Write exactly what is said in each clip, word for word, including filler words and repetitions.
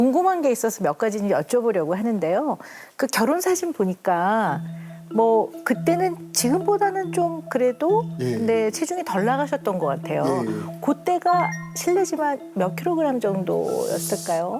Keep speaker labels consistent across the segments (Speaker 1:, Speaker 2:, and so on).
Speaker 1: 궁금한 게 있어서 몇 가지 여쭤보려고 하는데요. 그 결혼 사진 보니까 뭐 그때는 지금보다는 좀 그래도
Speaker 2: 예.
Speaker 1: 네, 체중이 덜 나가셨던 것 같아요.
Speaker 2: 예.
Speaker 1: 그때가 실례지만 몇 킬로그램 정도였을까요?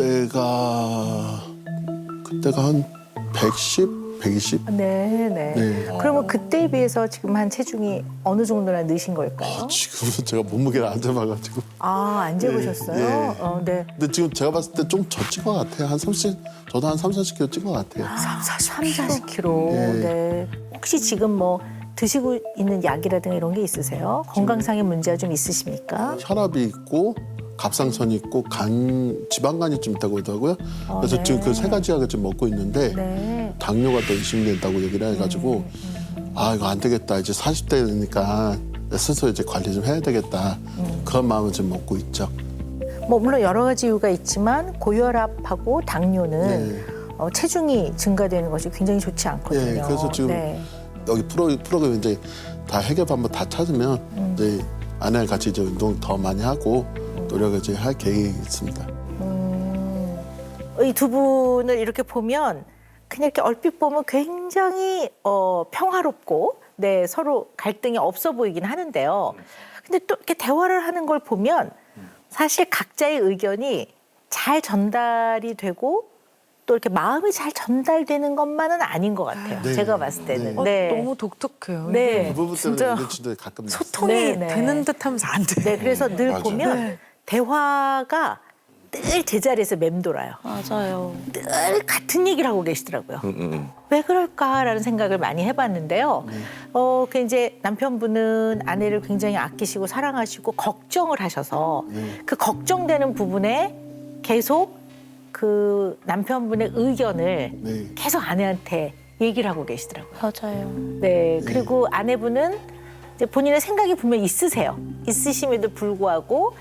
Speaker 2: 그때가 그때가 한 백십, 백이십?
Speaker 1: 네, 네.
Speaker 2: 네.
Speaker 1: 그러면 그때에 비해서 지금 한 체중이 어느 정도나 느신 걸까요?
Speaker 2: 아, 지금은 제가 몸무게를 안 재봐가지고.
Speaker 1: 아, 안 재보셨어요?
Speaker 2: 예.
Speaker 1: 어, 네.
Speaker 2: 근데 지금 제가 봤을 때 좀 더 찐 것 같아요. 한 삼십, 저도 한 삼, 사십 킬로 찐 것 같아요.
Speaker 1: 삼, 사십 킬로.
Speaker 2: 예.
Speaker 1: 네. 혹시 지금 뭐 드시고 있는 약이라든가 이런 게 있으세요? 건강상의 문제가 좀 있으십니까?
Speaker 2: 혈압이 있고 갑상선이 있고 간 지방간이 좀 있다고 하더라고요.
Speaker 1: 어,
Speaker 2: 그래서
Speaker 1: 네.
Speaker 2: 지금 그 세 가지 약을 지금 먹고 있는데
Speaker 1: 네.
Speaker 2: 당뇨가 또 의심된다고 얘기를 해가지고 아 이거 안 되겠다. 이제 사십 대니까 스스로 이제 관리 좀 해야 되겠다. 그런 마음을 지금 먹고 있죠.
Speaker 1: 뭐 물론 여러 가지 이유가 있지만 고혈압하고 당뇨는
Speaker 2: 네.
Speaker 1: 어, 체중이 증가되는 것이 굉장히 좋지 않거든요.
Speaker 2: 네, 그래서 지금
Speaker 1: 네.
Speaker 2: 여기 프로, 프로그램 이제 다 해결 방법 다 찾으면
Speaker 1: 음.
Speaker 2: 이제 아내랑 같이 이제 운동 더 많이 하고 노력을 이제 할 계획이 있습니다.
Speaker 1: 음, 이 두 분을 이렇게 보면 그냥 이렇게 얼핏 보면 굉장히 어, 평화롭고 네, 서로 갈등이 없어 보이긴 하는데요. 근데 또 이렇게 대화를 하는 걸 보면 사실 각자의 의견이 잘 전달이 되고 또 이렇게 마음이 잘 전달되는 것만은 아닌 것 같아요.
Speaker 2: 네.
Speaker 1: 제가 봤을 때는.
Speaker 2: 네.
Speaker 3: 어,
Speaker 1: 네.
Speaker 3: 너무 독특해요.
Speaker 1: 네.
Speaker 2: 그 부분 때문에
Speaker 3: 진짜
Speaker 2: 이제 진짜 가끔 났어요.
Speaker 3: 소통이
Speaker 1: 네, 네.
Speaker 3: 되는 듯하면서 안 돼.
Speaker 1: 네, 그래서 늘
Speaker 2: 맞아요.
Speaker 1: 보면
Speaker 3: 네.
Speaker 1: 대화가 늘 제자리에서 맴돌아요.
Speaker 4: 맞아요.
Speaker 1: 늘 같은 얘기를 하고 계시더라고요. 왜 그럴까라는 생각을 많이 해봤는데요. 어, 그 이제 남편분은 아내를 굉장히 아끼시고 사랑하시고 걱정을 하셔서
Speaker 2: 네.
Speaker 1: 그 걱정되는 부분에 계속 그 남편분의 의견을
Speaker 2: 네.
Speaker 1: 계속 아내한테 얘기를 하고 계시더라고요.
Speaker 4: 맞아요.
Speaker 1: 네, 그리고 아내분은 이제 본인의 생각이 분명 있으세요. 있으심에도 불구하고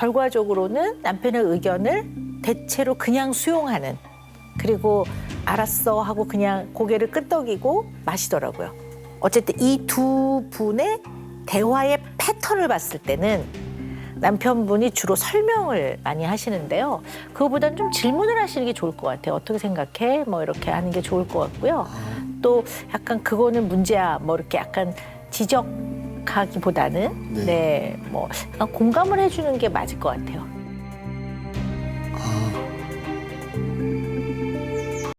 Speaker 1: 결과적으로는 남편의 의견을 대체로 그냥 수용하는, 그리고 알았어 하고 그냥 고개를 끄덕이고 마시더라고요. 어쨌든 이 두 분의 대화의 패턴을 봤을 때는 남편분이 주로 설명을 많이 하시는데요. 그거보다는 좀 질문을 하시는 게 좋을 것 같아요. 어떻게 생각해? 뭐 이렇게 하는 게 좋을 것 같고요. 또 약간 그거는 문제야. 뭐 이렇게 약간 지적하기보다는
Speaker 2: 네.
Speaker 1: 네, 뭐 약간 공감을 해주는 게 맞을 것 같아요.